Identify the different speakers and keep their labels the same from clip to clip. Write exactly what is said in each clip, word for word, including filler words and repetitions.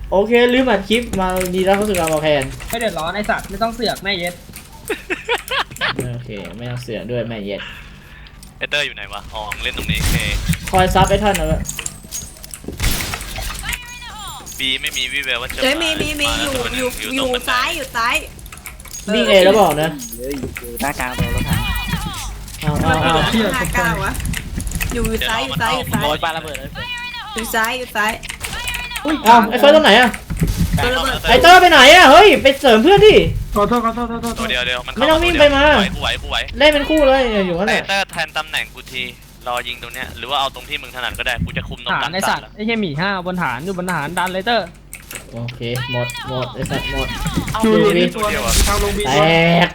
Speaker 1: โอเคลืมอัดคลิปมาดีแล้วเขาสึกเอามาแทน
Speaker 2: ไม่เดือดร้อนไอสัตว์ไม่ต้องเสือกแม่เย็ด
Speaker 1: โอเคไม่ต้องเสือกด้วยแม่เย็ด
Speaker 3: เอเตอร์อยู่ไหนวะอ๋อเล่นตรงนี้โอเค
Speaker 1: คอยซับไอ้ท่านนะเว้ย
Speaker 3: บีไม่มีวิแววว่าจะ
Speaker 4: เฮ้ยมีมีมีอยู่อยู่อยู่ซ้ายอยู่ซ้าย
Speaker 1: วิ่งเอแล้วบอกนะ
Speaker 5: เฮ้ยอยู่หน้ากลางตัวรถถัง
Speaker 1: เอาเอาเอา
Speaker 4: ห้าเก้าวะอยู่ซ้ายอยู่ซ้ายอยู่ซ้าย
Speaker 5: โดนปาระเบิดเลย
Speaker 4: อยู่ซ้ายอยู่ซ้าย
Speaker 1: เอาไอ้เฟิร์สตรงไหนอะ
Speaker 4: ตัวระเบิด
Speaker 1: ไอ้เตอร์ไปไหนอะเฮ้ยไปเสริมเพื่อนดิ
Speaker 2: ขอโทษขอโทษขอโทษ
Speaker 3: ตัวเดียวเดียวมัน
Speaker 1: ไม่ต้องวิ่งไปมา
Speaker 3: กูไหวกูไหว
Speaker 1: เล่นเป็นคู่เลยอยู่นั่น
Speaker 3: เอ
Speaker 1: แหละ
Speaker 3: เตอร์แทนตำแหน่งกูทีรอยิงตรงเนี้ยหรือว่าเอาตรงที่มึงถนัดก็ได้กูจะคุมตรง
Speaker 2: ฐาก
Speaker 3: ลาน ง
Speaker 2: ไอสัตว์ไอเฮียหมีห้าบนฐานอยู่บนฐานดันเลเตอร์
Speaker 1: โอเคหมดหมดไอ้สัตว์หมด
Speaker 2: ดู
Speaker 1: ดูดิ
Speaker 2: ตัวนึงทางลงบี
Speaker 1: แตก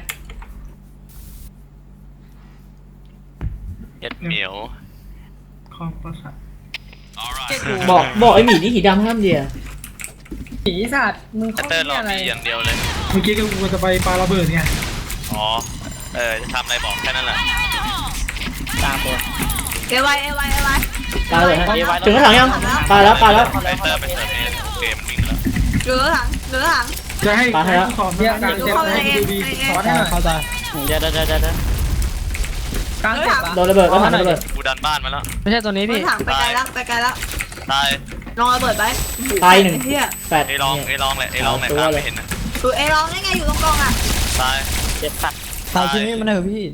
Speaker 3: เย็ดเหมียว
Speaker 2: คอมประสาท
Speaker 1: บอกบอกไอ้หมีนี่หีดำห้ามเดีย
Speaker 2: หมีสัตว์มึง
Speaker 3: เอ
Speaker 2: เขา
Speaker 3: เตอร์รอ
Speaker 2: อะไร
Speaker 3: บีอย่างเดียวเลย
Speaker 2: เมื่อกี้ก็กูจะไปปาระเบิดไง
Speaker 3: อ๋อเออจะทำอะไรบอกแค่นั้นแหละ
Speaker 5: ตามตัว
Speaker 4: เอวายเอวายเอวาย
Speaker 1: ตายเลยฮะถึงกระถางยังตายแล้วตายแล้ว
Speaker 3: เอเตอร์ไปเสิร์ฟเองเกมวิ่งแล้ว
Speaker 4: เหลือถังเหลือถัง
Speaker 2: จะให้
Speaker 1: ปาให้แล้ว
Speaker 2: สอนเรียกการเจ็บให้ดูดีสอนให้หน่อยเข้าใจ
Speaker 5: เดี๋ยวเดี๋ยวเดี๋ยวเดี๋ยว
Speaker 2: กลางเจ็บ
Speaker 1: โดนระเบิดก็ทำระเบิด
Speaker 3: กูดันบ้านมาแล้ว
Speaker 2: ไม่ใช่ตัวนี้
Speaker 4: เหลื
Speaker 2: พี่
Speaker 4: อถังไปไกลแล้วไปไกลแล้ว
Speaker 3: ตาย
Speaker 4: ลองระเบิดไป
Speaker 1: ตายหนึ่ง
Speaker 4: เฮีย
Speaker 1: แปด
Speaker 3: ไอ้ลองไอ้ลองเลยไอ้ลองไหนตามไม่เห็นนะ
Speaker 4: ดูเอลองได้ไงอยู่ตรงกลางอ่ะ
Speaker 3: ตาย
Speaker 5: เจ็บสัตว์
Speaker 3: ตายที่นี่มัน
Speaker 2: พี่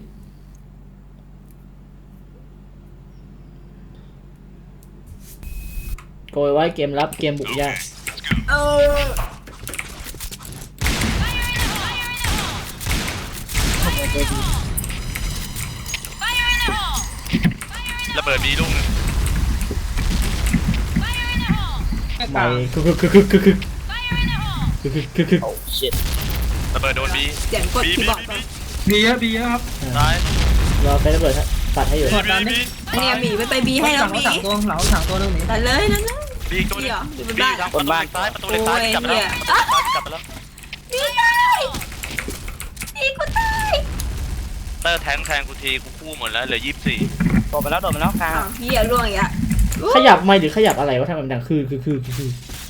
Speaker 1: โกยไว้เกมรับเกมบุกยาก
Speaker 4: เออ
Speaker 3: ระเบิดบีลูกนึง
Speaker 1: ไม่คึกคึกคึกคึกคึกคึกคึกคึกคึก
Speaker 5: โอ้ชิต
Speaker 3: ระเบิดโดนบี
Speaker 4: เสียงกดคีย์บอร์ดก่อน
Speaker 2: บีเยอะบีเยอะครับ
Speaker 3: ตาย
Speaker 1: รอไประเบิดฮะตัดให้อยู่
Speaker 3: บีบี
Speaker 4: อันนี้หมีไปไปบีให้แล้วหมี
Speaker 2: สั่งตัวเหลาสั่งตัวนึงหมี
Speaker 4: แต่เลยนั่นนะ
Speaker 3: บีตัวนึง
Speaker 4: อยู่บน
Speaker 3: บี
Speaker 4: บ้าน
Speaker 3: ครับประตูเหล็กซ้ายประตูเหล็กซ้ายกลับไปแล้วกลับไปแล้ว
Speaker 4: บีตายบีกูตาย
Speaker 3: เตอร์แทงแทงกูทีกูคู่หมดแล้วเหลือยี่สิบสี่
Speaker 5: โดนไปแล้วโดนไปแล้วกลาง
Speaker 4: อ้าวเฮียร่วงอีกอ่ะ
Speaker 1: ขยับไม่หรือขยับอะไรวะทำไมมันดังคือคือคือคือ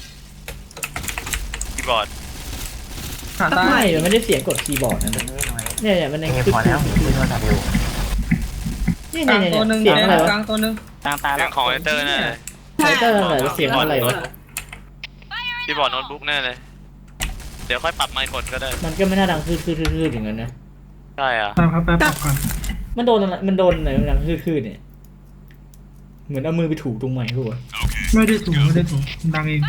Speaker 3: คีย์บอร์ด
Speaker 2: หาตา
Speaker 1: ไม่มันไม่ได้เสียงกดคีย์บอร์ดนะเนี่ยเนี่ยมันในคือคือเนี่ย
Speaker 2: กลาง
Speaker 1: เนี่ย
Speaker 2: ตัวนึ
Speaker 1: เนี่ย
Speaker 2: ง
Speaker 1: เสียงอะไรวะ
Speaker 2: กลางตัวนึง
Speaker 5: กลางตาย
Speaker 3: เรื่
Speaker 5: แล้
Speaker 3: อ
Speaker 5: ว
Speaker 3: งของไอเตอร์แน่เลย
Speaker 1: ไฟเตอร์อะไรเสียงอะไรวะ
Speaker 3: คีย์บอร์ดโน้ตบุ๊กแน่เลยเดี๋ยวค่อยปรับไมค์กดก็ได้
Speaker 1: มันก็ไม่น่าดังคือคือคือคืออย่างนั้นนะ
Speaker 3: ใช่อ่ะ
Speaker 2: ตามครับแป๊บก่อน
Speaker 1: มันโดนอะไรมันโดนอะไรมันดังคือคือเนี่ยเหมือนเอามือไปถูตรงไหนหัว
Speaker 2: ไม่ได้ถูกไม่ได้ถูกดังเอง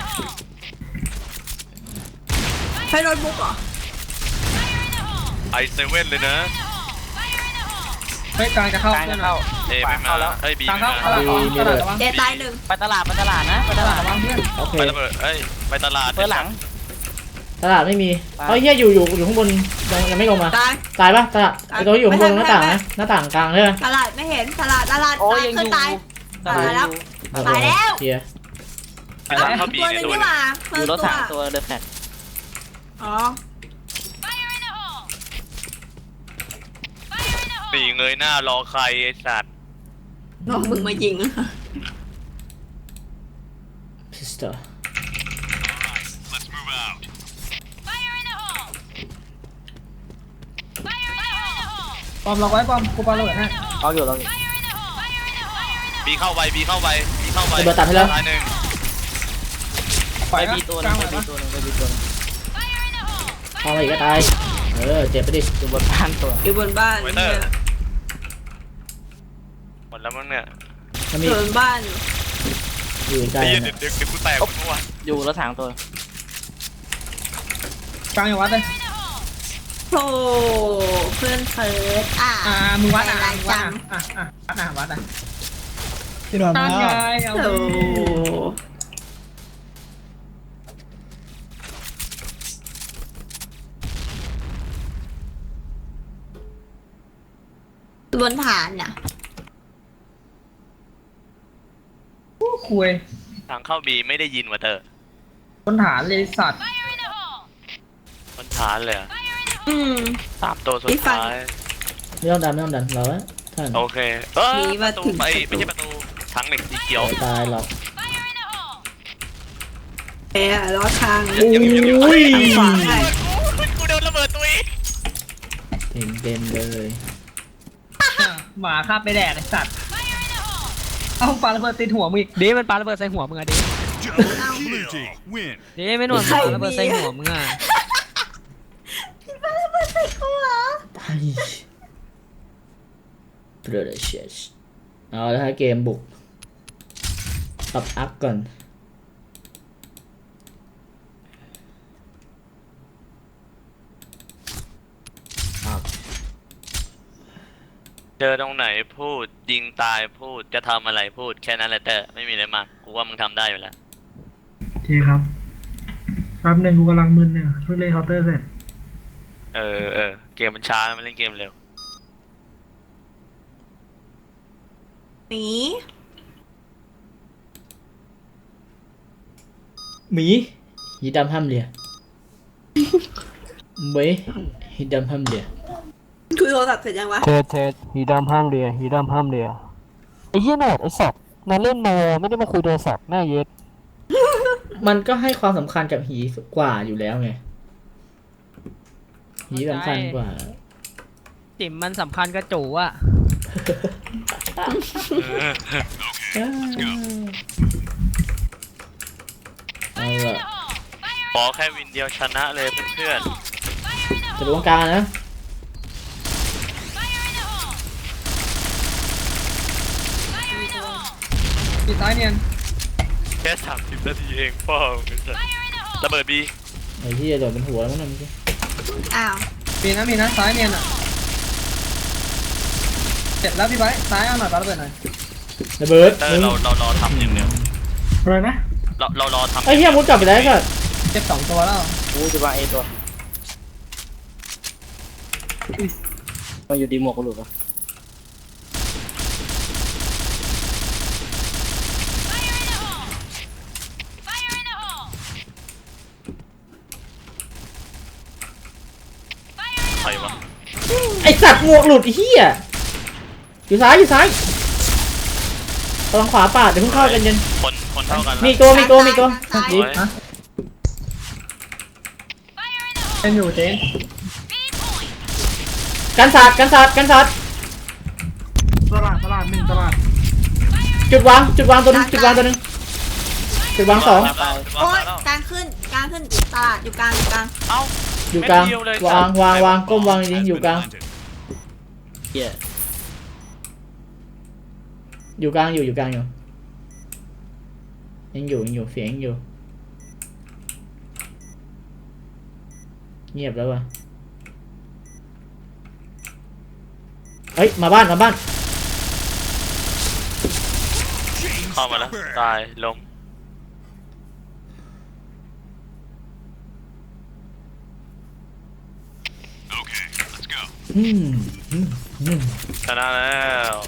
Speaker 4: ใช้โน้ตบุ๊กเหรอ
Speaker 3: ไอเซเว่นเลยนะ
Speaker 2: เฮ้ยกลางจะเข้าก
Speaker 5: ลางจะเข้า
Speaker 3: เอไม่มาเอ้ยบี
Speaker 2: กลาง
Speaker 3: ไม่
Speaker 2: เข้า
Speaker 3: มา
Speaker 2: ตลาดตลาดระวัง
Speaker 4: เจตายหนึ่ง
Speaker 5: ไปตลาดไปตลาดนะไปตลาด
Speaker 2: ระวังเพื่อน
Speaker 1: โอเค
Speaker 3: ไประเบิดเอ้ยไปตลาด
Speaker 5: เพื่อหลัง
Speaker 1: ตลาดไม่มีเฮ้ยเฮียอยู่อยู่อยู่ข้างบนยังยังไม่ลงมา
Speaker 4: ตาย
Speaker 1: ตายปะตลาดไอ้ตัวที่อยู่ข้างบนหน้าต่างนะหน้าต่างกลางใช่ไหม
Speaker 4: ตลาดไม่เห็นตลาดตลาด
Speaker 5: โอ้ย
Speaker 4: ตาย
Speaker 5: ยัง
Speaker 4: ขึ้
Speaker 5: อน ยู่
Speaker 4: ตาย
Speaker 5: ตลาดอยู่
Speaker 4: ตายแล้ว
Speaker 1: เคลียร์
Speaker 3: ไปแล้วเข้าบี
Speaker 4: ตัว
Speaker 3: ใน
Speaker 4: นึง
Speaker 3: ตัว
Speaker 4: นี่
Speaker 3: นึ
Speaker 4: ห
Speaker 3: ง
Speaker 4: ว่า
Speaker 5: อยู่รถถังตัวเดอะแฟลต
Speaker 4: อ๋อ
Speaker 3: นี่เงยหน้ารอใครไอสัตว์
Speaker 4: น้องมึงมายิง
Speaker 1: พิสเตอร์
Speaker 2: ปอมล็อกไว้ปอมกูปาระเบิดให้
Speaker 5: เอาอยู่เราอยู่
Speaker 3: บีเข้าไปบีเข้าไปบีเข้าไป
Speaker 1: ระเบิดตัดให้แล้ว
Speaker 3: ตายหนึ่ง
Speaker 5: ไปบีตัวนึงไปบีตัวนึงไปบีตัวนึง
Speaker 1: เข้ามาอีกก็ตายเออเจ็บไปดิ
Speaker 5: อยู่บนบ้านตัว
Speaker 4: อยู่บนบ้าน
Speaker 3: ไวเตอร์หมดแล้วมั้งเนี่ย
Speaker 1: มันมี
Speaker 4: อยู่บนบ้าน
Speaker 1: อยู่ใกล้
Speaker 3: ไอ้เหี้ย
Speaker 1: นะ
Speaker 3: เดี๋ยวเดี๋ยวกูแตกหมดเมื่อวาน
Speaker 5: อยู่รถถังตัว
Speaker 2: กลางอย่าวัดเลย
Speaker 4: โธ่เพื่อนเฟิร์สอ่ะ
Speaker 2: อ่ามึงวัดอ่ะ
Speaker 4: ใจร้าย
Speaker 2: มึงวั
Speaker 4: จั
Speaker 2: ด
Speaker 4: ง
Speaker 2: อ่ะอ่ะอ่ะอ่ะวัดอ่ะ
Speaker 6: พี่หนอน
Speaker 2: ตั้
Speaker 6: มาง
Speaker 2: ไงเอา
Speaker 4: โธ่บนฐานน่ะ
Speaker 2: คุย
Speaker 3: ทางเข้าบีไม่ได้ยินว่ะเตอร์
Speaker 2: บนฐานเลยสัตว์
Speaker 3: มันฐานเลยอะ
Speaker 4: อืม
Speaker 3: สามตัวสุด
Speaker 4: พี่ฟัง
Speaker 3: ท้าย
Speaker 1: ไม่ต้องดันไม่ต้องดันเราอะท่าน
Speaker 3: โอเคเออ
Speaker 4: มี
Speaker 3: ป
Speaker 4: มา
Speaker 3: ระตู
Speaker 4: ถึง
Speaker 3: ไปไม่ใช่ประตูถังเหล็กสีเขียว
Speaker 1: ไม่ตายหรอก
Speaker 4: แพ้รอดทาง
Speaker 1: โอ้ย
Speaker 4: ทางขวาได้
Speaker 3: กูโดนระเบิดตัวเอง
Speaker 1: เต็มเต็มเลย
Speaker 2: หมาคาบไปแดกไอ้สัตว์เอาปาระเบิดติดหัวมึงอีก
Speaker 5: เดมันปาระเบิดใส่หัวมึงอะเด
Speaker 7: Blue team win.
Speaker 5: เดไม่หนวดมันปาระเบิดใส่หัวมึงอะ
Speaker 1: ไอ้เปรเชสเอาแล้วฮะเกมบุกปรับอัพก่อนอัพ
Speaker 3: เจอตรงไหนพูดยิงตายพูดจะทำอะไรพูดแค่นั้นแหละแต่ไม่มีอะไรมากกูว่ามึงทำได้อยู่แล้ว
Speaker 6: โอเคครับแป๊บหนึ่งกูกำลังมึนเนี่ยเพิ่งเล่นเคาน์เตอร์เสร็จ
Speaker 3: เออเออเกมมันช้ามันเล่นเกมเร็ว
Speaker 4: หนี
Speaker 1: หมีหีดำห้ามเลียเว้ยหีดำห้ามเลีย
Speaker 4: คุยโทรศัพท์เสร็จยังวะ
Speaker 8: เทสเทสฮีดำห้ามเรียฮีดำห้ามเรียไอ้เหี้ยโนดไอ้สัตว์นายเล่นโนไม่ได้มาคุยโทรศัพท์แม่เย็ด
Speaker 1: มันก็ให้ความสำคัญกับหีกว่าอยู่แล้วไงหีสำคัญกว่า
Speaker 5: จิ๋มมันสำคัญกับจูอะ
Speaker 1: เอาละ
Speaker 3: ขอแค่วินเดียวชนะเลยเพื่อน
Speaker 1: จะดูตรงกลางนะ
Speaker 2: ปิดซ้ายเนียน
Speaker 3: ๆแค่สามสิบนาทีเองพ่อมึงระเบิดบี
Speaker 1: ไอ้ที่จะโดดเป็นหัวแล้วมั้งเมื่อกี้
Speaker 4: อ้าว
Speaker 2: มีนะมีนะซ้ายเนียนอ่ะเสร็จแล้วพี่ไบร์ทซ้ายเอาหน่อยปาระเบิดหน่อย
Speaker 1: ระเบิด
Speaker 3: เออเราเรารอทำอย่างเดียว
Speaker 6: อะไรนะ
Speaker 3: เราเรารอทำ
Speaker 1: ไอ้เหี้ยมุดกลับไปแล้วก็
Speaker 2: เจ็บสองตัวแล้ว
Speaker 5: กูจะวางเอตัวมาอยู่ดีหมวกกูหลุดวะ
Speaker 3: ใครวะ
Speaker 1: ไอสัตว์หมวกหลุดไอ้เหี้ยอยู่ซ้ายอยู่ซ้ายตรงขวาปาดเดี๋ยวเพิ่งเข้ากันเย็น
Speaker 3: คนคนเท่ากัน
Speaker 1: มี
Speaker 3: นะ
Speaker 1: ตัวมีตัวมีตัว
Speaker 4: ซ้าย
Speaker 1: ดี
Speaker 2: ฮะเป็นอยู่เจน
Speaker 1: กันศาสตร์กันศาสตร์กันศาสตร์
Speaker 6: ตลาดตลาดหนึ่งตลาด
Speaker 1: จุดวางจุดวางตัวหนึงจุดวางตัวหนึงจุดวางสอง
Speaker 4: โอ๊ยกลางขึ้นกลางขึ้นตลาดอยู่กลางอยู่กลาง
Speaker 3: เอ้า
Speaker 1: อยู่กลาง
Speaker 3: เม็ดเดียวเลยว
Speaker 1: างวางวางก้มวางดีๆอยู่กลาง
Speaker 5: เหี้ย
Speaker 1: อยู่กลางอยู่อยู่กลางอยู่ยังอยู่ยังอยู่เสียงยังอยู่เงียบแล้ววะเฮ้ยมาบ้านมาบ้าน
Speaker 3: เข้ามาแล้วตายล้ม
Speaker 1: อืมอืมอืม
Speaker 3: ชนะแล้ว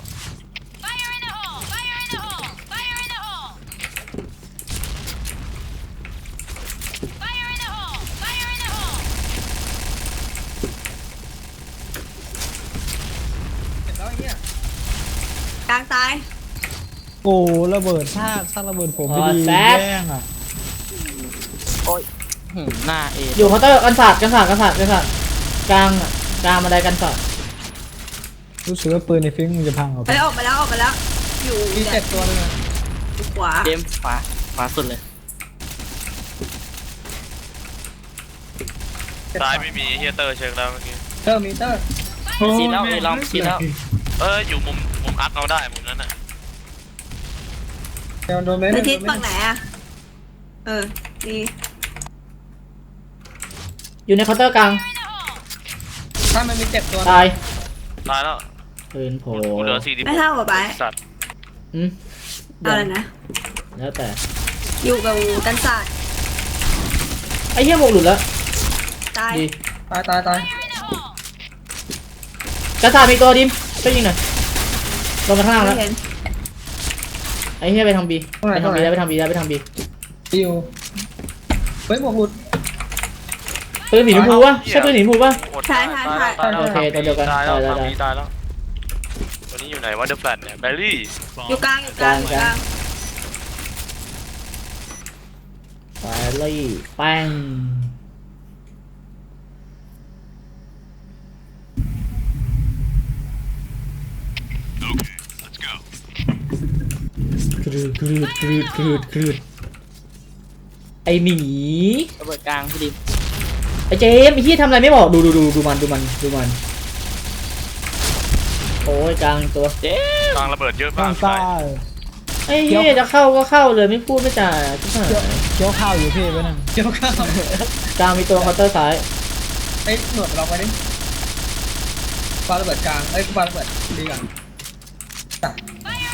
Speaker 2: เสร็จแล้วไอ้เหี้ย
Speaker 4: กลางตาย
Speaker 6: โอ้ระเบิดถ้าถ้าระเบิดผมไม่ดีแย่งอ่ะ
Speaker 5: หึหน้าเอ
Speaker 1: อยู่เคาน์เตอร์กันศาสตร์กันศาสตร์กันศาสตร์กันศาสตร์กลางอะกลางบันไดกันศาสตร์
Speaker 6: รู้สึกว่าปืนในฟิงมันจะพังออกไป
Speaker 4: เฮ้ยออกไปแล้วออกไปแล้ว อยู่
Speaker 2: มีเจ็บตัวนึงอะ
Speaker 4: อยู่ขวา
Speaker 5: เดมขวาขวาสุดเลย
Speaker 2: เจ็บ
Speaker 3: ซ้ายไม่มีเฮียเตอร์เช็คแล้วเมื่อกี้
Speaker 2: เตอร์มีเตอร์
Speaker 5: ซีแล้วเอลองซีแล้ว
Speaker 3: เอออยู่มุมมุมอักเอาได้มุมนั้นน่ะ
Speaker 2: เดี๋ยวโดนไหม
Speaker 4: ในทิศฝั่งไหนอะเออนี่
Speaker 1: อยู่ในเคาน์เตอร์กลาง
Speaker 2: ถ้ามันมีเจ็บตัว
Speaker 1: ตาย
Speaker 3: ตายแล้ว
Speaker 1: ปืนโผล่
Speaker 3: กูเหลือสี่สิบ
Speaker 4: ไม่เท่ากับไป
Speaker 3: สัตว์
Speaker 1: อืม
Speaker 4: เอาเลยนะ
Speaker 1: แล้วแต่
Speaker 4: อยู่กับกันศาสตร์
Speaker 1: ไอ้เหี้ยหมวกหลุดแล้ว
Speaker 4: ตาย
Speaker 1: ดี
Speaker 2: ตายตายตาย
Speaker 1: กันศาสตร์มีตัวดิมไปยิงหน่อยลงมาข้างล่าง
Speaker 4: ไม่
Speaker 1: แล้ว
Speaker 4: เห็น
Speaker 1: ไอ้เหี้ยไปทางบีไปทางบีแล้วไปทางบีแล้วไปทางบี
Speaker 2: อยู่เฮ้ยหมวกหลุด
Speaker 1: ปืนหมีชมพูวะใช่ปืนหมีชมพูวะ
Speaker 3: หมดตายตายแล้วตายแล้ว
Speaker 1: โอเคตัวเดียวกัน
Speaker 3: ตายแล้ว
Speaker 1: ตายแล้ว
Speaker 3: ทำนี้ตายแล้วตัวนี้อยู่ไหนวะเดอะแฟลตเนี่ยแบลลี่
Speaker 4: อยู่กลางอยู่กลางอยู่กลาง
Speaker 1: ไปเลยแป้งกรืดกรืดกรืดกรืดกรืดไอหมี
Speaker 5: ระเบิดกลางพี่ดิม
Speaker 1: ไอเจมส์ไอที่ทำอะไรไม่บอกดูดูดูดูมันดูมันดูมันโอ้ยกลางตัว
Speaker 5: เจ๊
Speaker 3: กลางระเบิดเยอะมาก
Speaker 1: ไอ้เหี้ยจะเข้าก็เข้าเลยไม่พูดไม่จ่าทุกท่าน
Speaker 2: เกี่ยวข้าว
Speaker 1: กลางมีตัวเคาน์เตอร์ซ้าย
Speaker 2: เอ้ยหนวดเราไปดิปาระเบิดกลางเอ้ยปาระเบิดดีก่อนตัด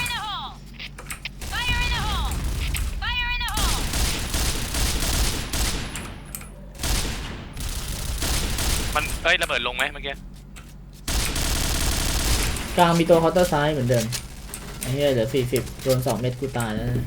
Speaker 3: มันเอ้ยระเบิดลงไหมเมื่อกี้
Speaker 1: กลางมีตัวเคาน์เตอร์ซ้ายเหมือนเดิมไอ้เหี้ยเหลือสี่สิบโดนสองเม็ดกูตายแล้วนะ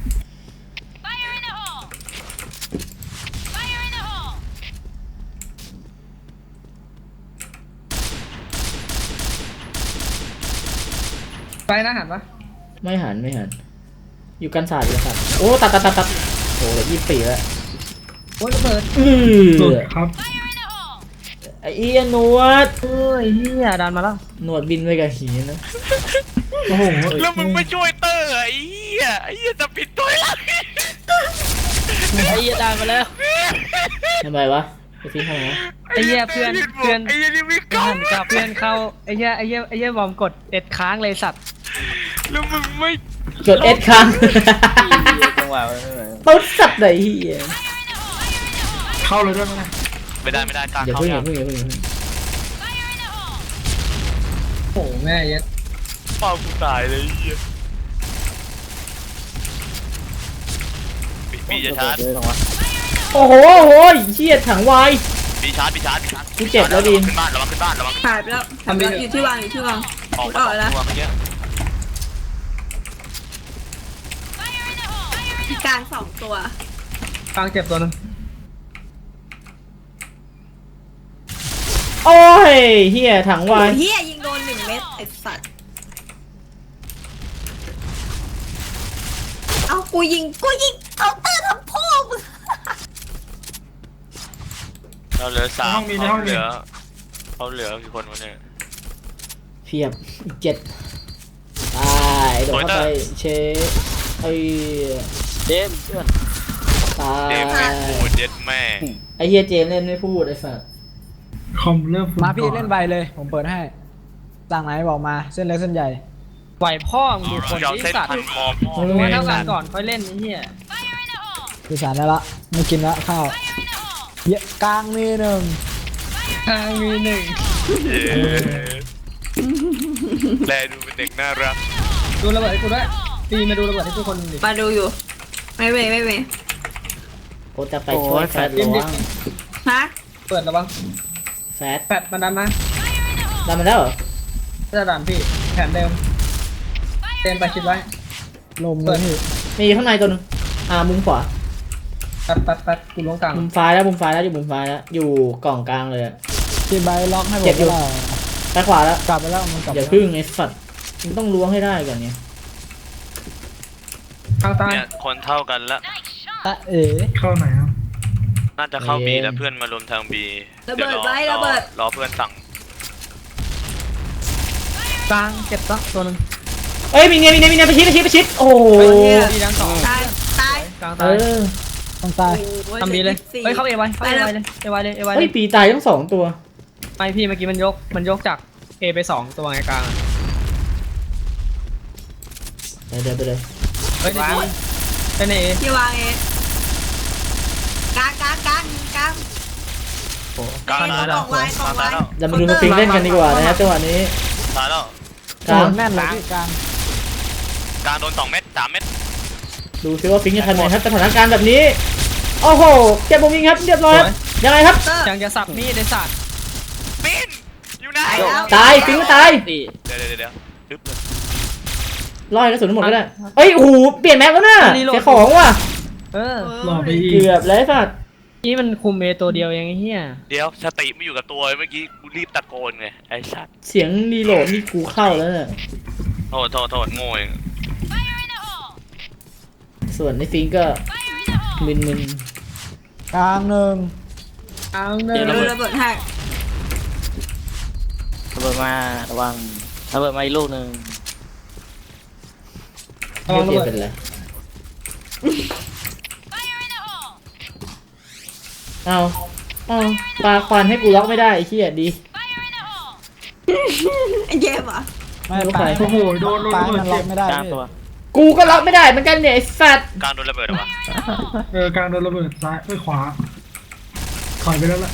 Speaker 2: ไปนะหันปะ
Speaker 1: ไม่หันไม่หันอยู่กันศาสตร์อยู่กันศาสตร์โอ้ตัดตัดตัดตัดโอ้เหลือยี่สิบสี่แล้ว
Speaker 2: โอ้ยระเบิด
Speaker 1: อื
Speaker 6: หลุด
Speaker 1: อ
Speaker 6: ครับ
Speaker 1: ไอ้เอี้ยหนวด
Speaker 2: เอ้ยเฮียดันมาแล้ว
Speaker 1: หนวดบินไปกับหีนะ
Speaker 6: โอ้โห
Speaker 3: แล้วมึงไม่ช่วยเตอร์ไอ้เหี้ยไอ้เหี้ยจะปิดตัวแล้ว
Speaker 5: ไอ้เหี้ยได้มาแล้ว
Speaker 1: ทำไมวะไปทิ้งทำไมวะ
Speaker 2: ไอ้เหี้ยเพื่อนเพื่อน
Speaker 3: ไอ้เหี้ยนี่ไม่เข้า
Speaker 2: หันกับเพื่อนเข้าไอ้เหี้ยไอ้เหี้ยไอ้เหี้ยบอมกดเอ็ดค้างเลยสัตว์
Speaker 3: แล้วมึงไม่
Speaker 1: กดเอสค้าง
Speaker 5: จังหวะ
Speaker 1: ตุ๊ดสัตว์ไหนเหี้ย
Speaker 6: เข้าเลยด้วยไหมนะ
Speaker 3: ไม่ได้ไม่ได้กลาง
Speaker 1: อย่า
Speaker 3: เข้า
Speaker 1: เพิ่งอ
Speaker 3: ยั
Speaker 1: ย่าง เพิ่งอย่าเพิ่งอย่าเพิ่ง
Speaker 2: โอ้โหแม่เย็ด
Speaker 3: เป้ากูตายเลยไอ้เหี้ยปีปีจะชาร์จ
Speaker 5: เยอะจังวะ
Speaker 1: โอ้โหโอ้โหเหี้ยถังวาย
Speaker 3: ปีชาร์จปีชาร์จปีชาร์จ
Speaker 1: กูเจ็บแล้วดิ
Speaker 3: ขึ้นบ้านระวังขึ้นบ้านระวังขึ้น
Speaker 4: หายไปแล้วหายไปแล้วอยู่ที่วางอยู่ที่วาง
Speaker 3: ออก
Speaker 4: อ
Speaker 3: มา
Speaker 4: อก
Speaker 3: สอง
Speaker 4: แล้ว
Speaker 3: ตัวเมื่อกี้
Speaker 4: ที่กลางสองตัว
Speaker 2: กลางเจ็บตัวนึง
Speaker 1: โอ้ยเหี้ยถัง
Speaker 4: โอ้
Speaker 1: วาย
Speaker 4: เฮียยิงโดนหนึ่งเม็ดไอ้สัตว์เอากูยิงกูยิงเอาเตอร์ทำพ่อมึง
Speaker 3: เราเหลือสามเขาเหลือเขาเหลือกี่คนวะเนี่ย
Speaker 1: เพียบอีกเจ็ดตายโดนเข้าไปเชฟไอ้
Speaker 5: เจมส์เพื่อน
Speaker 1: ตา
Speaker 3: เด
Speaker 1: ย
Speaker 3: มแม่งพูดเย็ดแม่
Speaker 1: ไอ้เฮียเจมส์เล่นไม่พูดไอ้สัส
Speaker 6: คอมเริ่ม
Speaker 9: มาพี่เล่นใบเลย ผมเปิดให้สั่งไหนบอกมาเส้นเล็กเส้นใหญ่
Speaker 2: ไหวพ่อมึงดูคน
Speaker 3: ยอม
Speaker 2: ที่
Speaker 3: เส้น
Speaker 2: สัตว์
Speaker 3: พันคอพ่อ
Speaker 2: ดูว่าเท่ากันก่อนค่อยเล่นไอ้เหี้ย
Speaker 9: คือสารได้ละไม่กินละข้าวเยอะกลางมีหนึ่ง
Speaker 2: ทางมีหนึ่ง
Speaker 3: เย้แลดูเป็นเด็กน่ารัก
Speaker 2: ดูระเบิดให้กูด้วยตีมาดูระเบิดให้ทุกคนดิ
Speaker 4: มาดูอยู่ ไม่เว้ยไม่เว้ย
Speaker 1: โอ้จะไปช่วยแฟดหลวง
Speaker 4: ฮะ
Speaker 2: เปิดระวัง
Speaker 1: แฟด
Speaker 2: แปดมันดันมา
Speaker 1: ได้มาแล้วเหรอ
Speaker 2: จะดันพี่แผนเดิมเต็มไปคิดไว้
Speaker 9: ลมเลยพี่
Speaker 1: มีข้างในตัวหนึงอ่ามุมขวา
Speaker 2: ปัดปัดปัดกูลงกลาง
Speaker 1: มุมซ้ายแล้วมุมซ้ายแล้วอยู่มุมซ้ายแล้วอยู่กล่องกลางเลยอะ
Speaker 9: ที่ใบล็อกให้ผม
Speaker 1: เจ็บอยู่
Speaker 9: แล้ว
Speaker 1: ไปขวาแล้ว
Speaker 9: กลับไปแล้วมันกลับ
Speaker 1: อย่าพึ่งไอ้สัตว์มึงต้องล้วงให้ได้ก่อนเนี่ย
Speaker 2: ทางใต้
Speaker 3: เนี่ยคนเท่ากันละ
Speaker 9: ตะเอ๋
Speaker 6: เข้าไหนครับ
Speaker 3: น่าจะเข้าบีแล้วเพื่อนมารวมทางบี
Speaker 4: ระเบิดไว้ระเบิด
Speaker 3: รอเพื่อนสั่ง
Speaker 2: กลางเจ็บซะตัวนึง
Speaker 1: เอ้ยมีเนียมีเนียมีเนียไปชิดไปชิดไปชิดโอ้โห
Speaker 2: ดีดังสอง
Speaker 4: ตายตาย
Speaker 2: กลาง
Speaker 1: เอ
Speaker 2: ตาย
Speaker 1: อ
Speaker 9: ต้องตาย
Speaker 4: โอ้ย
Speaker 2: ทำดีเลย
Speaker 4: สี่
Speaker 2: เฮ้ยเข้าเอไว้เข้าเอไว้เลยเอไว้เลยเอไว้เล
Speaker 1: เฮ้ย
Speaker 2: ย
Speaker 1: ปีตายทั้งสองตัว
Speaker 2: ไม่พี่เมื่อกี้มันยกมันยกจากเอไปสองตัวไงกลาง
Speaker 1: ไปเดินไปเลย
Speaker 2: เฮ้ยดีเป็นเอ
Speaker 4: ที่วางเองกลางกลางกลางกลาง
Speaker 3: กลางตายแล้ว
Speaker 4: กล่องไว้กล่องไว้
Speaker 3: ตายแล้ว
Speaker 1: เรามาดูมาฟิงเล่นกันดีกว่านะฮะจังหวะนี้
Speaker 3: ตายแล้ว
Speaker 1: กลาง
Speaker 9: แน่นเลยพี่กลาง
Speaker 3: กลางโดนสองเม็ดสามเม็ด
Speaker 1: ดูซิว่าฟิงจะทำไงครับสถานการณ์แบบนี้โอ้โหเจ็บมุมยิงครับเรียบร้อยครับยังไงครับ
Speaker 4: เตอร์
Speaker 2: ยังจะสับมีดในสัตว์
Speaker 3: ปินอยู่ไหน
Speaker 4: ตายแล้ว
Speaker 1: ตายฟิงก็ตาย
Speaker 5: สี่
Speaker 3: เดี๋ยวเดี๋ยวเดี๋ยวปึ๊บเลย
Speaker 1: ร้อยกระสุนทั้งหมดก็ได้เอ้ยโอ้โหเปลี่ยนแม็กแล้วน่ะเสียของว่ะ
Speaker 2: เออ
Speaker 6: หล่อไปอีก
Speaker 1: เกือบแล้วไอ้สัตว์
Speaker 2: นี่มันคุมเอตัวเดียวเองไอ้เหี้ย
Speaker 3: เดี๋ยวสติไม่อยู่กับตัวเมื่อกี้กูรีบตะโกนไงไอ้สัตว์
Speaker 1: เสียงรีโหลดนี่กูเข้าแล้วเนี่ย
Speaker 3: โทษโทษโทษโง่เอง
Speaker 1: ส่วนในฟิงก็มึน
Speaker 9: กลางหนึ่ง
Speaker 2: กลางหนึ่ง
Speaker 4: ดูระเบิดให้
Speaker 5: ระเบิดมาระวังระเบิดมาอีกลูกหนึ่ง
Speaker 2: ระวังระ
Speaker 1: เจ
Speaker 2: เบิด
Speaker 1: เป็นไรเอาเอาปลาควันให้กูล็อกไม่ได้ไอ้เหี้ยดี
Speaker 4: ไอ้เจมส์เหรอ
Speaker 9: ไม่
Speaker 1: ไม่รู้
Speaker 9: ปลา
Speaker 1: ใคร
Speaker 6: โอ้โหโดนโดน
Speaker 9: ปลา
Speaker 6: ระเบิ
Speaker 9: มั
Speaker 6: ด
Speaker 9: นล็
Speaker 6: เจ็
Speaker 9: อบ กไม่ได้
Speaker 5: กลาง
Speaker 9: พี่
Speaker 5: ตัว
Speaker 1: กูก็ล็อกไม่ได้เหมือนกันเนี่ยไอ้สัตว์
Speaker 3: กลางโดนระเบิดเหรอวะ
Speaker 6: เออกลางโดนระเบิดซ้ายไปขวาถอยไปแล้วล่ะ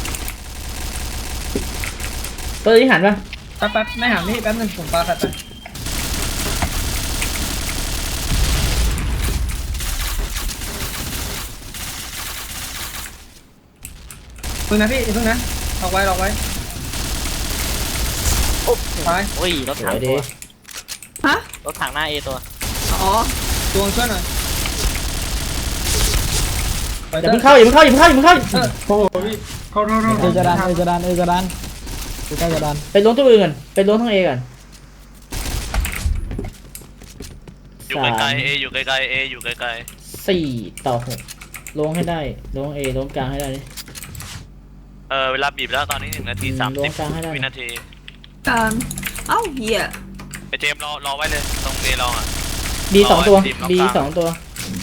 Speaker 1: เปิดที่หันปะ
Speaker 2: แป๊บแป๊บไม่หานี่แป๊บนึงผมปาขัดไปพึ่งนะพี่พึ่งนะล็อกไว้ล็อกไว้ไป
Speaker 5: โอ้ยรถ
Speaker 1: ส
Speaker 5: ถั
Speaker 1: ว
Speaker 5: ง
Speaker 1: ย
Speaker 5: ตั
Speaker 1: ดี
Speaker 5: ว
Speaker 4: ฮะ
Speaker 5: รถถังหน้าเอตัว
Speaker 4: อ๋อ
Speaker 2: ดวงช่วยหน่อยไป
Speaker 1: อย่า
Speaker 2: เถ
Speaker 1: เพิ่ง
Speaker 2: อะ
Speaker 1: เข้าอย่าเพิ่งเข้าอย่าเพิ่งเข้าอย่าเพิ่งเข้า
Speaker 2: เออ
Speaker 6: โอ้โหพี่เข้าเข้าเข้า
Speaker 9: เอจะดันเอจะดันเอจะดันอยู่ใกล้จะดัน
Speaker 1: ไปล้วงตัวอื่นก่อนไปล้วงทั้งเอก่อน
Speaker 3: อยู่ไกลๆเออยู่ไกลๆเออยู่ไกล
Speaker 1: สี่ต่อหกล้วงให้ได้ล้วงเอล้วงกลางให้ได้ดิ
Speaker 3: ๆเออเวลาบีบแล้วตอนนี้หนึ่งนาที
Speaker 1: อืม
Speaker 3: สาม
Speaker 1: ล้ว
Speaker 3: สิ
Speaker 1: ง
Speaker 3: บ
Speaker 1: กลางให้ได้
Speaker 3: วินาที
Speaker 4: กลางเอ้าเหี้ย
Speaker 3: ไอเจมส์รอรอไว้เลยตรงเอลองอ่ะ
Speaker 1: บีสองตัว
Speaker 3: รอไอ้ทีมล็อก
Speaker 1: บี
Speaker 3: กลาง
Speaker 1: สองตัว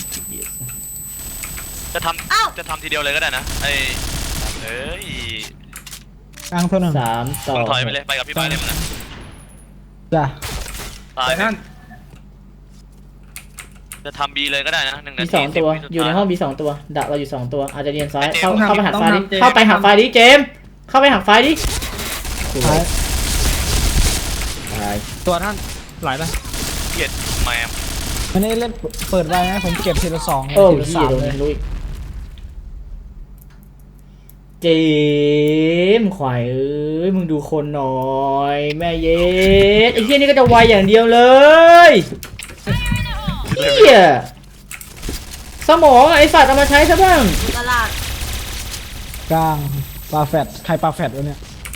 Speaker 3: จะทำจะทำทีเดียวเลยก็ได้นะไอเอ้ย
Speaker 9: กลางตัวหนึ่ง
Speaker 1: สามต่อ
Speaker 3: มึงถอยไปเลยไปกับพี่บายเลยมึงอะ
Speaker 9: จ้ะ
Speaker 3: ตาย
Speaker 2: ไป
Speaker 3: ไป
Speaker 2: ท่าน
Speaker 3: จะทำบีเลยก็ได้นะหนึ่งนา
Speaker 1: บี
Speaker 3: ที
Speaker 1: สองตัว
Speaker 3: สิบวิสุด
Speaker 1: อยู่ใน
Speaker 3: ท้า
Speaker 1: ห้องบีสองตัวดักเราอยู่สองตัวอาจจะเรียนซ้าย
Speaker 3: ไอ้เจมส์
Speaker 1: เข้า
Speaker 3: ต้อง
Speaker 1: เข้าไป
Speaker 2: ทำ
Speaker 1: หักไฟดิ
Speaker 2: ต้องทำเจมส์
Speaker 1: เข้าไปหักไฟดิเจมส์เข้าไปหักไฟดิ
Speaker 9: ท้าย
Speaker 1: ตาย
Speaker 2: ตัวท่านไหลไป
Speaker 3: เกลียดแมม
Speaker 9: มันนี่เล่นเปิดไว้นะผมเก็บทีละสอง
Speaker 1: โอ้
Speaker 9: ทีละ
Speaker 1: พี่
Speaker 9: สาม
Speaker 1: โดน
Speaker 9: เลย
Speaker 1: ลุยเจมส์ขวายเอ้ยมึงดูคนหน่อยแม่เย็ดไอ้เหี้ยนี่ก็จะไวอย่างเดียวเลยเหี้ยสมองไอ้สัตว์เอามาใช้ซะบ้าง
Speaker 4: ตลาด
Speaker 9: กลางปลาแฟดใครปลาแฟดวะเนี่ย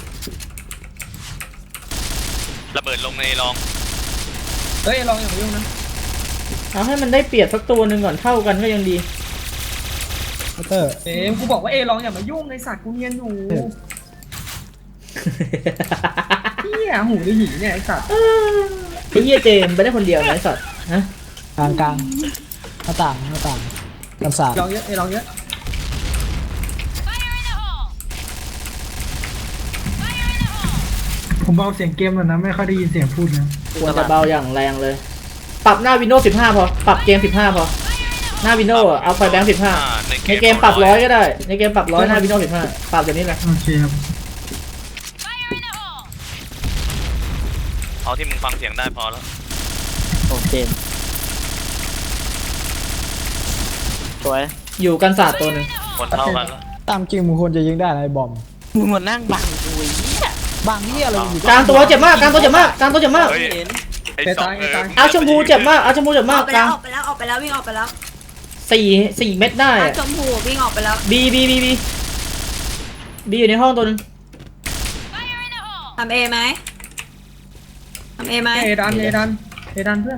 Speaker 3: ระเบิดลงในลอง
Speaker 2: เฮ้ยลองอย่างยุ่งนะ
Speaker 1: เอาให้มันได้เปรียบสักตัวหนึ่งก่อนเท่ากันก็ยังดี
Speaker 9: พัตเตอร์
Speaker 2: เอ็มกูบอกว่าเอลองอย่ามายุ่งในสัตว์กูเนียนอยู่เฮียหูหรือหีเนี่ยไอสัตว์
Speaker 1: ไอ้เหี้ยเจมส์ไปได้คนเดียวนะไอ้สัตว์ฮะ
Speaker 9: กลางกลางหน้าต่างหน้าต่างกันศาสตร์
Speaker 2: ลองเยอะเอลองเยอะ
Speaker 6: ผมเบาเสียงเกมหน่อยนะไม่ค่อยได้ยินเสียงพูดนะ
Speaker 1: ควรจะเบาอย่างแรงเลย ปรับหน้า Windows สิบห้าพอ ปรับเกมสิบห้าพอ หน้า Windows อะเอาไฟแบงค์สิบห้า
Speaker 3: อ่า
Speaker 1: ในเกมปรับร้อยก็ได้ ในเกมปรับร้อยหน้า Windows สิบห้าปรับแบบนี้เลย
Speaker 6: โอเคครับ
Speaker 3: เอาที่มึงฟังเสียงได้พอแล้ว
Speaker 5: โอเคสวย
Speaker 1: อยู่กันศาสตร์ตัวหนึ่ง
Speaker 3: คนเท่ากันแล้ว
Speaker 9: ตามจริงมึงควรจะยิงได้นะไอ้บอม
Speaker 5: มึงมานั่งบังกูไอ้เหี้ย
Speaker 9: บางที่อะไรอยู่
Speaker 1: กลางตัวเจ็บมากกลางตัวเจ็บมากกลางตัวเจ็บมาก
Speaker 3: เฮ้ย
Speaker 5: เห็น
Speaker 3: ไอ้สองเออ
Speaker 1: เอาชมพูเจ็บมากเอาชมพูเจ็บ
Speaker 4: อ
Speaker 1: มา
Speaker 4: อก กไป
Speaker 1: ก
Speaker 4: แล้
Speaker 1: ลาว ง
Speaker 4: ออกไปแล้วออกไปแล้ววิ่งออกไปแล้ว
Speaker 1: สี่สี่เม็ดได้
Speaker 4: อา
Speaker 1: อะ
Speaker 4: ชมพูวิ่งออกไปแล้ว
Speaker 1: บีบีบีบีบีอยู่ในห้องตัวหนึง
Speaker 4: ทำเอไหมทำเอไหม
Speaker 2: เอดันเอดันเอดันเพื่อน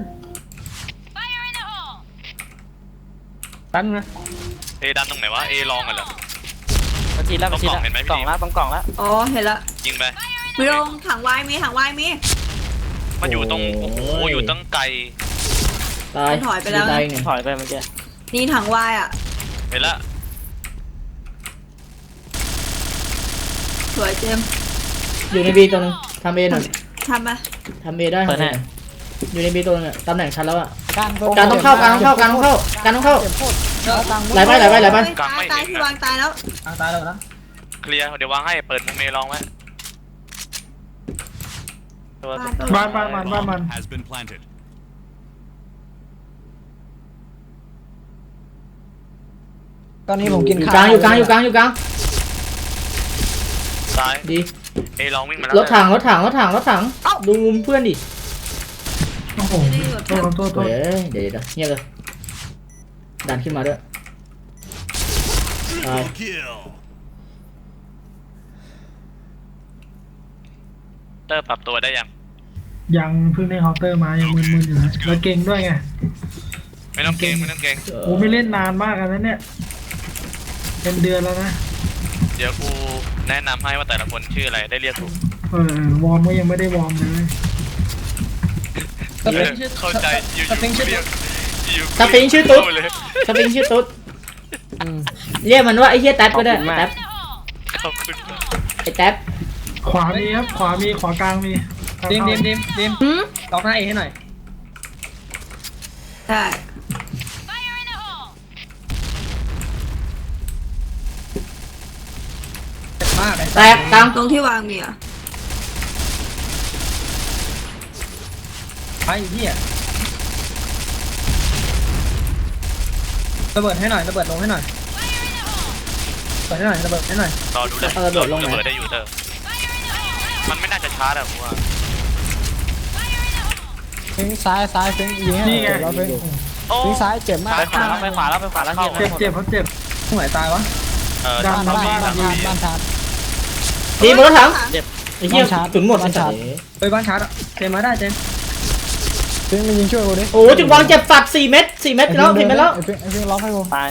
Speaker 2: ตันนะ
Speaker 3: เอดันตรงไหนวะเอลองกันเหรอ
Speaker 5: มาทีแล้วมาที
Speaker 3: ต้องกล่องเห็นไหม
Speaker 5: แล้ว
Speaker 3: พี่
Speaker 5: กล่องแล้วต้องกล่องแล้ว
Speaker 4: อ๋อเห็นละ
Speaker 3: ยิงไป
Speaker 4: มีลงถังวายมีถังวายมี
Speaker 3: มันอยู่ตรงโอ้โหอยู่ตั้งไกล
Speaker 1: ตาย
Speaker 4: ถอยไปแล้ว
Speaker 1: ตายอีกหนึ่ง
Speaker 5: ถอยไปเมื่อกี้
Speaker 4: นี่ถังวายอ่ะ
Speaker 3: เห็นละ
Speaker 4: สวยเจมส์
Speaker 1: อยู่ในบีตัวหนึงทำเอหน่อย
Speaker 4: ทำไป
Speaker 1: ทำเอได้ทำ A หน่อยอยู่ในบีตัวหนึงอะตำแหน่งชัดแล้วอะ
Speaker 9: กลางตัว
Speaker 1: การต้องเข้าการต้องเข้าการต้องเข้าการต้องเข้า
Speaker 9: เจ็บโคตรเอากลาง
Speaker 1: ไหลไปไหลไปไหลไป
Speaker 4: ตายตายที่วางตายแล้ว
Speaker 2: ทางตายแล้วนะ
Speaker 3: เคลียร์เดี๋ยววางให้เปิดมุมเอลองไว้ตัว
Speaker 6: บ้านบ้านมันบ้านมัน
Speaker 7: Has been planted.
Speaker 9: ตอนนี้ผมกิน
Speaker 1: อยู่
Speaker 9: ข้าว
Speaker 1: กลางอยู่กลางอยู่กลางอยู่กลาง
Speaker 3: ซ้าย
Speaker 1: ดี
Speaker 3: เอลองวิ่งมาแล้ว
Speaker 1: รถถังรถถังรถถังรถถังดูมุมเพื่อนดิ
Speaker 6: โอ้โหโทษโทษโทษ
Speaker 1: เฮ้ยเดี๋ยวเดี๋ยวเงียบเลยดันขึ้นมาด้วยตาย
Speaker 7: Kill.
Speaker 3: เตอร์ปรับตัวได้ยัง
Speaker 6: ยังเพิ่งได้เคาน์เตอร์มายังมึนๆอยู่นะแล้วเก่งด้วยไง
Speaker 3: ไม่ต้องเกรงไม่ต้องเกรง
Speaker 6: โอ้ไม่เล่นนานมากอันนั้นเนี่ยเป็นเดือนแล้วนะ
Speaker 3: เดี๋ยวกูแนะนำให้ว่าแต่ละคนชื่ออะไรได้เรียกถูก
Speaker 6: เออวอร์มก็ยังไม่ได้วอร์มเลย
Speaker 2: สปริงชื่อ
Speaker 3: เข้าใจอยู่
Speaker 2: สปริงชื่อ
Speaker 3: เรียกอยู่
Speaker 1: สปริงชื่อตุ๊ด
Speaker 3: เลย
Speaker 1: สปริงชื่อตุ๊ดเรียกมันว่าไอ้เหี้ยแท็บก็ได้แท็บ
Speaker 3: ขอบคุณมาก
Speaker 1: ไอ้แท็บ
Speaker 6: ขวามีครับขวามีขวากลางมี
Speaker 2: ดิมดิมดิมดิมล็อกหน้าเอให้หน่อย
Speaker 4: ใช่
Speaker 2: เจ็บมากไอ้
Speaker 1: แตกกลาง
Speaker 4: ตรงที่วางมีอ่ะ
Speaker 2: ไอ้เหี้ยระเบิดให้หน่อยระเบิดลงให้หน่อยระเบิดให้หน่อยระเบิดให้หน่อย
Speaker 3: รอดูเลย
Speaker 1: เอาระเบิดลงไหน
Speaker 3: ระเบิดได้อยู่เตอร์มันไม่น่าจะช้าหรอกกูว่า
Speaker 9: ฟิงซ้ายซ้ายฟิงยิงให้เจ็บแล้วฟิง
Speaker 3: โอ้
Speaker 9: ฟิงซ้ายเจ็บมาก
Speaker 5: ไปขวาแล้วไปขวาแล้วไปขวาแล้วเฮีย
Speaker 6: เจ็บเจ็บเขาเจ็บ
Speaker 2: ตรงไหนตายวะ
Speaker 3: เออ
Speaker 6: ดั
Speaker 9: บ้าน
Speaker 3: ทำ
Speaker 9: บ้าน
Speaker 3: ดี
Speaker 9: บ้าน
Speaker 3: ทำ
Speaker 9: บ้าน
Speaker 3: ดี
Speaker 9: บ้านชาร์จ
Speaker 1: ดีหมดแล้วถัง
Speaker 5: เจ็บ
Speaker 1: ไอ้เหี้ย
Speaker 9: บ้านชาร์จ
Speaker 1: ตุนหมด
Speaker 9: บ้านชาร์จ
Speaker 2: ไปบ้านชาร์จอะเจมมาได้เจม
Speaker 9: ฟิงมายิงช่วยกูดิ
Speaker 1: โอ้จุดวางเจ็บสัตว์สี่เม็ดสี่เม็ดแล้วสี่เม็ดแล้ว
Speaker 9: ไอ้ฟิงไอ้ฟิงล็อกให้กู
Speaker 5: ตาย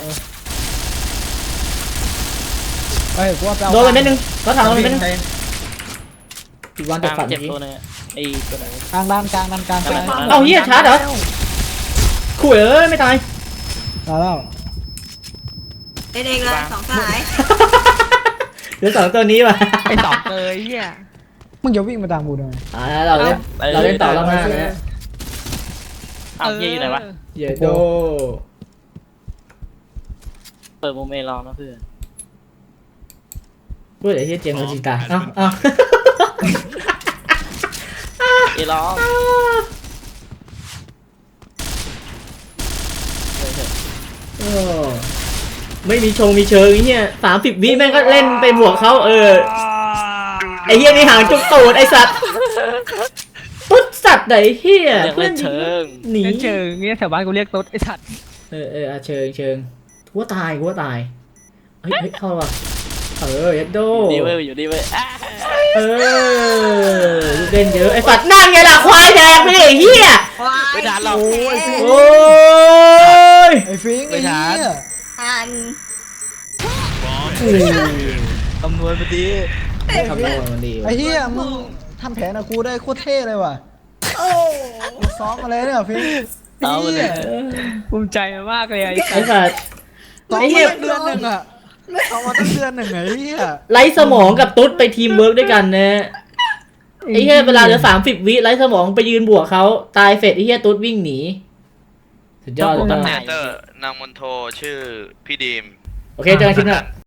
Speaker 9: เฮ้ยกูว่าไปเอา
Speaker 1: โดนไปเม็ดนึงแล้วถังโดนไปเม็ดนึง
Speaker 2: ใจ
Speaker 1: จุดวาง
Speaker 5: ก
Speaker 1: เจ็บ
Speaker 5: ลาง
Speaker 1: สัตว์
Speaker 5: เจ็บ
Speaker 1: เมื่อกี้
Speaker 5: ตัวนึงไอ้ตัวไหน
Speaker 9: กลางด้านกลางด้านกลางกลาง
Speaker 1: เอาเหี้ยชาร์จเหรอขู่เอ้ยไม่ตาย
Speaker 9: มาแล้ว
Speaker 4: เองเองเลยสองสาย
Speaker 1: เหลือสองตัวนี้ว่ะ
Speaker 5: ไอ้สองเลยเฮีย
Speaker 9: มึงอย่าวิ่งมาตามกูทำไม
Speaker 1: อ่าเราเล่นเราเล่นต่อรอบหน้าเลยนะ
Speaker 5: เอาเฮียอยู่ไหนวะ
Speaker 1: เยโด
Speaker 5: เปิดโมเมลองนะเพื่อน
Speaker 1: พูดไอ้เหี้ยเจมส์โดนจิงตายเอ้าเอ้า
Speaker 5: เอลอง
Speaker 1: โอ้ไม่มีชงมีเชิงไอ้เหี้ยสามสิบวิแม่งก็เล่นไปบวกเขาเออไอ้เหี้ยนี่หางจุกตูดไอ้สัตว์ตุ๊ดสัตว์ไหนเหี้ย
Speaker 5: เรียกเล่นเชิง
Speaker 1: หนี
Speaker 2: เล่นเชิงเงี้ยแถวบ้านกูเรียกตุ๊ดไอ้สัตว์
Speaker 1: เออเอออ่ะเชิงเชิงกูว่าตายกูว่าตายเฮ้ยเฮ้ยเข้าว่ะเออเยัดโด
Speaker 5: ดีเว้ยอยู่ดีเว้ยอ่ะ
Speaker 1: เออลูกเล่นเยอะไอ้สัตว์นั่นไงล่ะควายแดงไปดิไอ้เหี้ย
Speaker 4: ว้าย
Speaker 5: ไม่ทันหรอก
Speaker 1: โอ้ย
Speaker 9: ไอ้ฟิงไอ้เหี้ย
Speaker 4: ทัน
Speaker 5: คำนวณพอดี
Speaker 1: คำนวณมันดี
Speaker 9: ไอ้เหี้ยมึงทำแผนกับกูได้โคตรเท่เลยว่ะมึงซ้อมมาเลยเนี่ยฟิง
Speaker 5: เอาไปเลย
Speaker 2: ภูมิใจมากเลยไอ้
Speaker 1: ไอ้สัตว์
Speaker 9: ซ้อม
Speaker 1: ไอ้
Speaker 9: มา
Speaker 1: เหี้ย
Speaker 9: ตั้งเดือนหนึ่งอะซ้อมมาตั้งเดือนหนึ่งไอ้เหี้ย
Speaker 1: ไร้สมองกับตุ๊ดไปทีมเวิร์กด้วยกันนะไอ้เหี้ยเวลาเหลือสามสิบวิไร้สมองไปยืนบวกเขาตายเสร็จไอ้เหี้ยตุ๊ดวิ่งหนีสุดยอดเลย
Speaker 3: ตำแหน่งเตอร์นางมนโทชื่อพี่ดีม
Speaker 1: โอเคเจอกันคลิปหน้า